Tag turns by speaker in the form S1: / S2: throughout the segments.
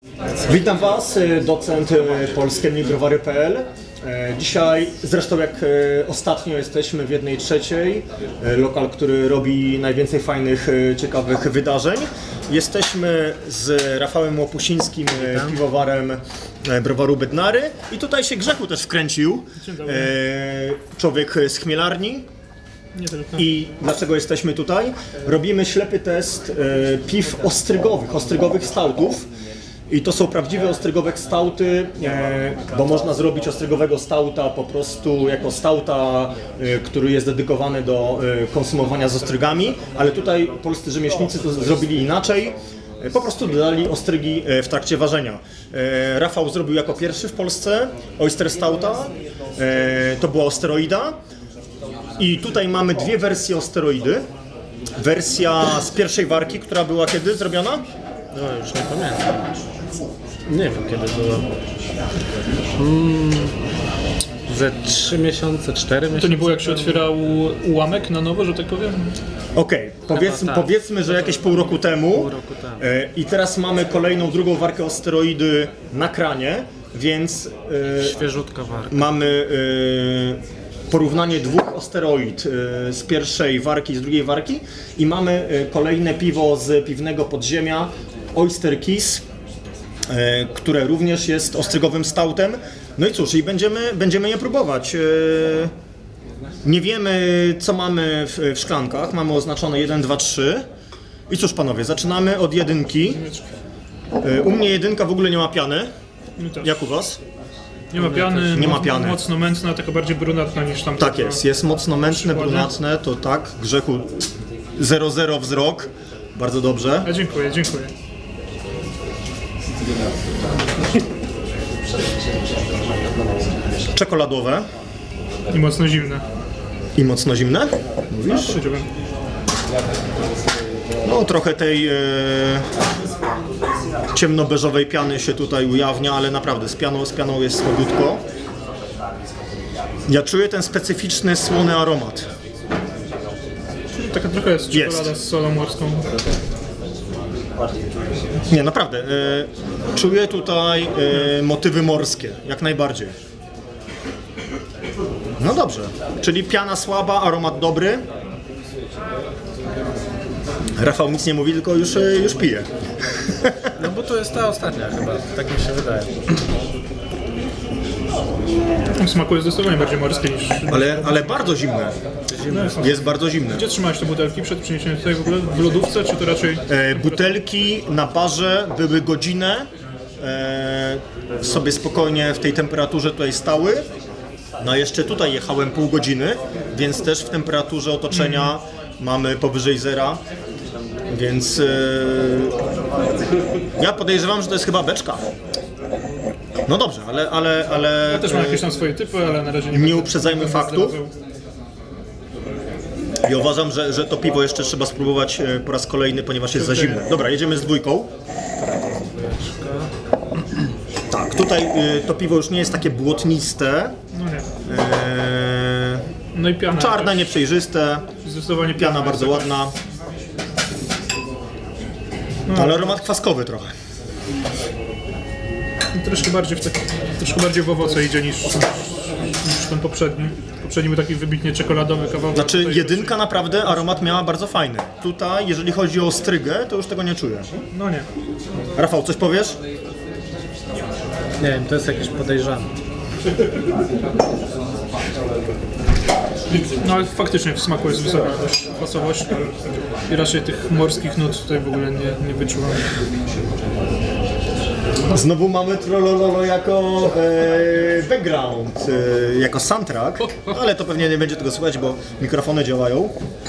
S1: Witam Was, docent polskiemnibrowary.pl. Dzisiaj, zresztą jak ostatnio, jesteśmy w 1/3, lokal, który robi najwięcej fajnych, ciekawych wydarzeń. Jesteśmy z Rafałem Łopusińskim, piwowarem browaru Bednary, i tutaj się Grzechu też wkręcił, człowiek z Chmielarni.
S2: Nie tylko.
S1: I dlaczego jesteśmy tutaj? Robimy ślepy test piw ostrygowych stoutów. I to są prawdziwe ostrygowe stouty, bo można zrobić ostrygowego stouta po prostu jako stouta, który jest dedykowany do konsumowania z ostrygami, ale tutaj polscy rzemieślnicy to zrobili inaczej. Po prostu dodali ostrygi w trakcie ważenia. Rafał zrobił jako pierwszy w Polsce oyster stouta, to była osteroida. I tutaj mamy dwie wersje osteroidy. Wersja z pierwszej warki, która była kiedy zrobiona?
S2: No już nie pamiętam. Nie wiem kiedy było. Ze 3 miesiące, 4 miesiące.
S3: To nie było jak się otwierał ułamek na nowo, że tak powiem?
S1: Okej, powiedzmy, że jakieś pół roku temu. I teraz mamy kolejną, drugą warkę osteroidy na kranie, więc
S2: Świeżutka warka.
S1: mamy porównanie dwóch osteroid z pierwszej warki i z drugiej warki i mamy kolejne piwo z piwnego podziemia, Oyster Kiss, które również jest ostrygowym stoutem. No i cóż, i będziemy je próbować. Nie wiemy, co mamy w szklankach, mamy oznaczone 1, 2, 3. I cóż panowie, zaczynamy od jedynki. U mnie jedynka w ogóle nie ma piany. Jak u was?
S3: Nie ma piany,
S1: Nie ma piany.
S3: Mocno mętna, taka bardziej brunatna niż tam.
S1: Tak jest mocno mętne, brunatne, to tak. Grzechu 0,0 wzrok, bardzo dobrze.
S3: A dziękuję.
S1: Czekoladowe
S3: I mocno zimne.
S1: i mocno zimne. Mówisz?
S3: Powiedziałbym.
S1: No trochę tej ciemnobeżowej piany się tutaj ujawnia, ale naprawdę z pianą jest słabiutko. Ja czuję ten specyficzny słony aromat.
S3: Taka trochę jest czekolada
S1: Jest.
S3: z solą morską.
S1: Nie, naprawdę. Czuję tutaj motywy morskie, jak najbardziej. No dobrze, czyli piana słaba, aromat dobry. Rafał nic nie mówi, tylko już pije.
S2: No bo to jest ta ostatnia chyba, tak mi się wydaje.
S3: W smaku jest zdecydowanie bardziej morskie niż...
S1: Ale bardzo zimne. Jest bardzo zimne.
S3: Gdzie trzymałeś te butelki przed przyniesieniem tutaj w ogóle? W lodówce, czy to raczej...
S1: Butelki na barze były godzinę. Sobie spokojnie w tej temperaturze tutaj stały. No jeszcze tutaj jechałem pół godziny, więc też w temperaturze otoczenia mamy powyżej zera. Więc ja podejrzewam, że to jest chyba beczka. No dobrze, ale
S3: Ja też mam jakieś tam swoje typy, ale na razie nie
S1: nie
S3: będę
S1: uprzedzajmy faktów.
S3: zdradzał.
S1: I uważam, że to piwo jeszcze trzeba spróbować po raz kolejny, ponieważ jest za zimne. Dobra, jedziemy z dwójką. Tak, tutaj to piwo już nie jest takie błotniste.
S3: No nie. No i piana.
S1: Czarne,
S3: też.
S1: nieprzejrzyste.
S3: Zdecydowanie
S1: Piana
S3: jest
S1: bardzo
S3: taka.
S1: ładna. Ale aromat kwaskowy trochę.
S3: Troszkę bardziej w owoce idzie niż ten poprzedni. Poprzedni był taki wybitnie czekoladowy kawałek.
S1: Znaczy
S3: Tutaj
S1: jedynka naprawdę aromat miała bardzo fajny. Tutaj, jeżeli chodzi o strygę, to już tego nie czuję.
S3: No nie.
S1: Rafał, coś powiesz?
S2: Nie wiem, to jest jakieś podejrzane.
S3: No ale faktycznie w smaku jest wysoka dość kwasowość i raczej tych morskich nut tutaj w ogóle nie wyczułam.
S1: Znowu mamy Trollololo jako background, jako soundtrack, ale to pewnie nie będzie tego słychać, bo mikrofony działają.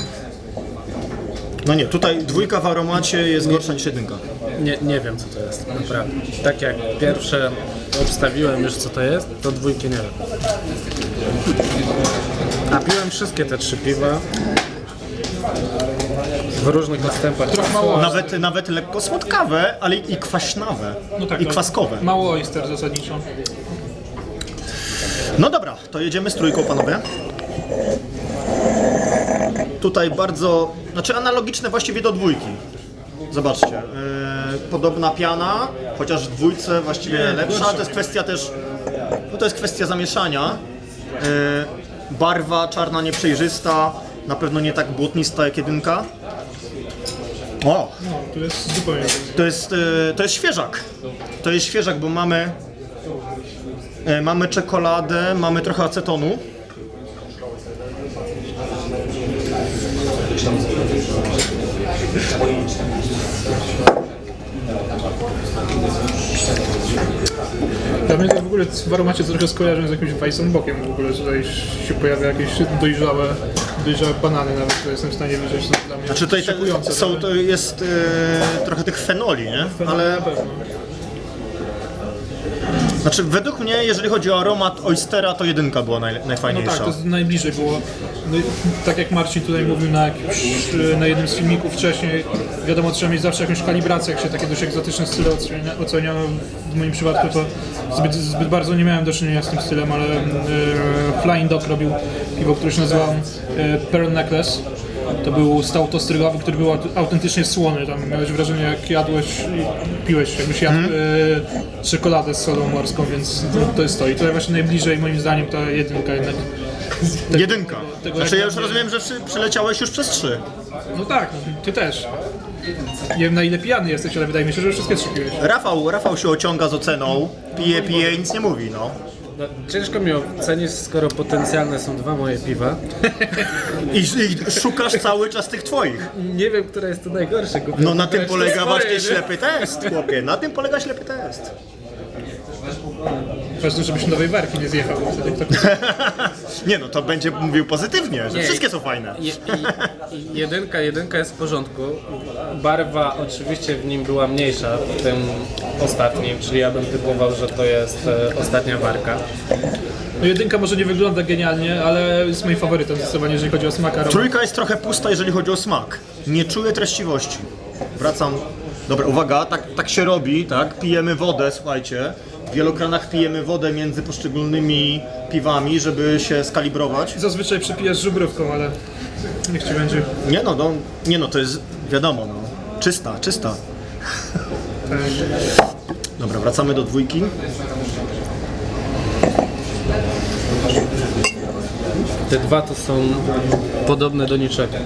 S1: No nie, tutaj dwójka w aromacie jest gorsza niż jedynka.
S2: Nie wiem co to jest, naprawdę. Tak jak pierwsze obstawiłem już co to jest, to dwójki nie wiem. A piłem wszystkie te 3 piwa. W różnych odstępach.
S3: Trochę mało.
S1: Nawet lekko słodkawe, ale i kwaśnawe,
S3: No tak,
S1: i
S3: no.
S1: kwaskowe.
S3: Mało oyster zasadniczo.
S1: No dobra, to jedziemy z trójką, panowie. Tutaj bardzo, znaczy analogiczne właściwie do dwójki. Zobaczcie, podobna piana, chociaż w dwójce właściwie lepsza, to jest kwestia też, no to jest kwestia zamieszania. Barwa czarna nieprzejrzysta, na pewno nie tak błotnista jak jedynka. O,
S3: No, tu jest zupełnie...
S1: to jest świeżak. To jest świeżak, bo mamy czekoladę, mamy trochę acetonu.
S3: Dla mnie to w ogóle w aromacie trochę skojarzę z jakimś Weissenbockiem. W ogóle tutaj się pojawia jakieś dojrzałe banany nawet, które jestem w stanie wyrzeć. To dla mnie
S1: Znaczy tutaj
S3: szokujące.
S1: to jest trochę tych fenoli, nie? Ale
S3: Na pewno.
S1: znaczy według mnie, jeżeli chodzi o aromat oystera, to jedynka była
S3: No
S1: najfajniejsza.
S3: tak, to jest najbliżej było. No, tak jak Marcin tutaj mówił na jednym z filmików wcześniej, wiadomo, trzeba mieć zawsze jakąś kalibrację, jak się takie dość egzotyczne style ocenia. W moim przypadku to zbyt bardzo nie miałem do czynienia z tym stylem, ale Flying Dog robił piwo, które się nazywało Pearl Necklace. To był stout ostrygowy, który był autentycznie słony. Tam miałeś wrażenie, jak jadłeś i piłeś, jakbyś jadł czekoladę z solą morską, więc to jest to. I tutaj właśnie najbliżej, moim zdaniem, ta jedynka jednak.
S1: Jedynka.
S3: tego
S1: Znaczy ja
S3: jak
S1: już
S3: dla mnie-
S1: rozumiem, że przeleciałeś już przez 3.
S3: No tak, no, ty też. Nie wiem, na ile pijany jesteś, ale wydaje mi się, że wszystkie trzy piłeś.
S1: Rafał się ociąga z oceną, pije i nic nie mówi, no.
S2: No, ciężko mi ocenić, skoro potencjalne są 2 moje piwa.
S1: I szukasz cały czas tych twoich.
S2: Nie wiem, które jest to najgorsze.
S1: No na tym
S2: Wybrać
S1: polega
S2: swoje,
S1: właśnie
S2: nie?
S1: ślepy test, chłopie. Na tym polega ślepy test.
S3: Ważne, żebyś nowej warki nie zjechał, bo wtedy kto...
S1: Nie no, to będzie mówił pozytywnie, że
S2: Nie.
S1: wszystkie są fajne.
S2: Jedynka jest w porządku. Barwa oczywiście w nim była mniejsza w tym ostatnim, czyli ja bym typował, że to jest ostatnia warka.
S3: No jedynka może nie wygląda genialnie, ale jest moim faworytem zdecydowanie, jeżeli chodzi o smak aromat.
S1: Trójka jest trochę pusta, jeżeli chodzi o smak. Nie czuję treściwości. Wracam. Dobra, uwaga, tak się robi, tak? Pijemy wodę, słuchajcie. W wielokranach pijemy wodę między poszczególnymi piwami, żeby się skalibrować.
S3: Zazwyczaj przepijasz żubrówką, ale niech ci będzie.
S1: Nie no, to jest wiadomo, no. Czysta. Dobra, wracamy do dwójki.
S2: Te dwa to są podobne do niczego.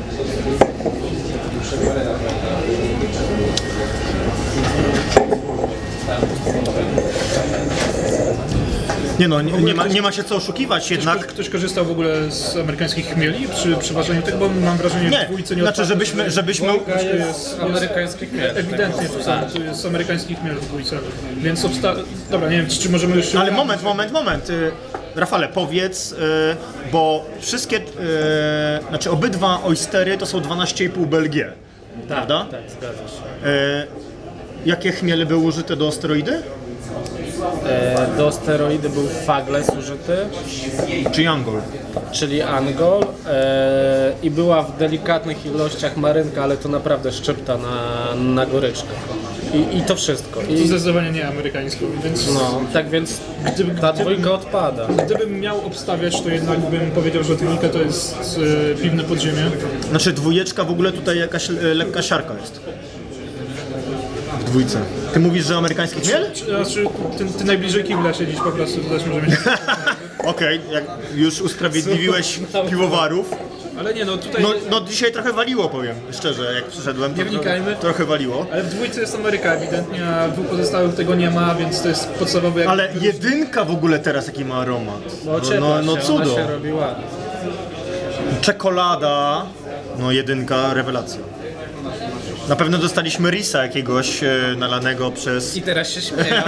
S1: Nie no, nie ma się co oszukiwać jednak.
S3: Ktoś korzystał w ogóle z amerykańskich chmieli przy przeważaniu tego, bo mam wrażenie, że w dwójce nie
S1: znaczy
S3: odpadło,
S1: żebyśmy...
S2: Jest amerykańskich miast.
S3: ewidentnie tu jest amerykański chmiel w dwójce, więc dobra, nie wiem, czy możemy już się...
S1: Ale moment. Rafale, powiedz, bo wszystkie, znaczy obydwa oystery to są 12,5 BLG, prawda?
S2: Tak, zgadza się.
S1: Jakie chmiele były użyte do steroidy?
S2: Do steroidy był Fagles użyty,
S1: Czy Angol?
S2: czyli Angol i była w delikatnych ilościach marynka, ale to naprawdę szczypta na goryczkę. I to wszystko.
S3: To
S2: I,
S3: zdecydowanie nie amerykańską, więc
S2: no, tak więc ta dwójka odpada.
S3: gdybym miał obstawiać, to jednak bym powiedział, że dwójka to jest piwne podziemie.
S1: Znaczy dwójeczka w ogóle tutaj jakaś lekka siarka jest. W dwójce. Ty mówisz, że amerykański chmiel?
S3: Znaczy, ty najbliżej kibla siedzisz po prostu, to też może mieć.
S1: Okej, jak już usprawiedliwiłeś piwowarów.
S3: Ale nie, no tutaj...
S1: No dzisiaj trochę waliło, powiem szczerze, jak przyszedłem.
S3: Nie wnikajmy.
S1: Trochę waliło.
S3: Ale w dwójce jest Ameryka ewidentnie, a w dwóch pozostałych tego nie ma, więc to jest podstawowy...
S1: Ale jedynka w ogóle teraz jaki ma aromat. No cudo.
S2: Ona się robi ładnie.
S1: Czekolada, no jedynka, rewelacja. Na pewno dostaliśmy risa jakiegoś nalanego przez
S2: I teraz się śmieją.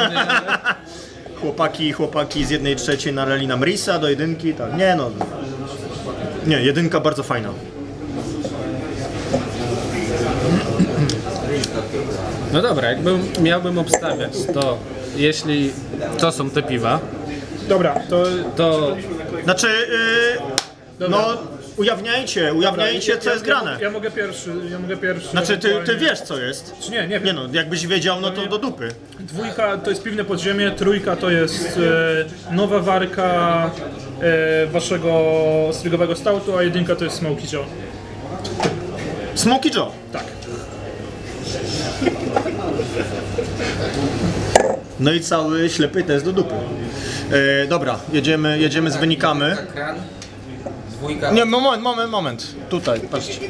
S1: chłopaki z 1/3 nalali nam risa do jedynki, tak. Nie, jedynka bardzo fajna.
S2: No dobra, miałbym obstawiać, to jeśli to są te piwa,
S3: Dobra,
S2: to
S1: Znaczy, no ujawniajcie co jest grane.
S3: Ja mogę pierwszy.
S1: Znaczy ty
S3: ewentualnie.
S1: wiesz co jest.
S3: Czy nie
S1: Nie
S3: wiem.
S1: no, jakbyś wiedział, no to do dupy.
S3: Dwójka to jest piwne podziemie, trójka to jest nowa warka waszego strygowego stoutu, a jedynka to jest Smoky Joe.
S1: Smoky Joe.
S3: Tak.
S1: No i cały ślepy test do dupy. Dobra, jedziemy z wynikami.
S4: Kran, dwójka.
S1: Nie, moment. Tutaj, patrzcie.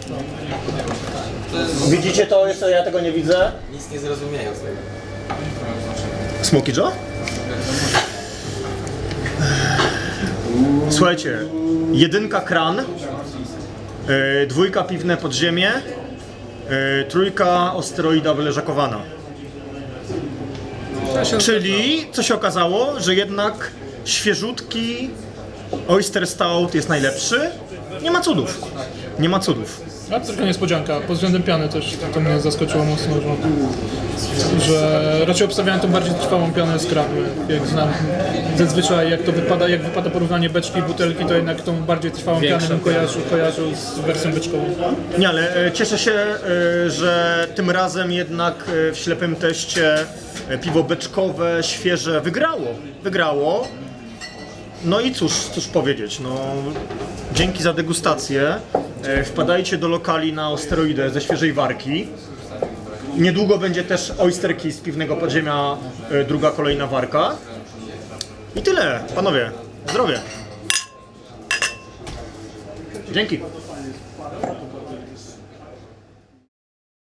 S1: Widzicie to? Jeszcze ja tego nie widzę.
S4: Nic nie zrozumieją z tego.
S1: Smoky Joe? Słuchajcie, 1 kran, 2 piwne podziemie, 3 osteroida wyleżakowana. Czyli, co się okazało, że jednak świeżutki Oyster Stout jest najlepszy. Nie ma cudów. Nie ma cudów.
S3: A tylko niespodzianka, pod względem piany też to mnie zaskoczyło mocno, że raczej obstawiałem tą bardziej trwałą pianę z kranu. Jak znam zazwyczaj jak wypada porównanie beczki i butelki, to jednak tą bardziej trwałą pianę bym kojarzył z wersją beczkową.
S1: Nie, ale cieszę się, że tym razem jednak w ślepym teście piwo beczkowe, świeże wygrało. No i cóż powiedzieć, no dzięki za degustację. Wpadajcie do lokali na Osteroidę ze świeżej warki. Niedługo będzie też Oysterki z piwnego podziemia, druga kolejna warka. I tyle, panowie, zdrowie. Dzięki.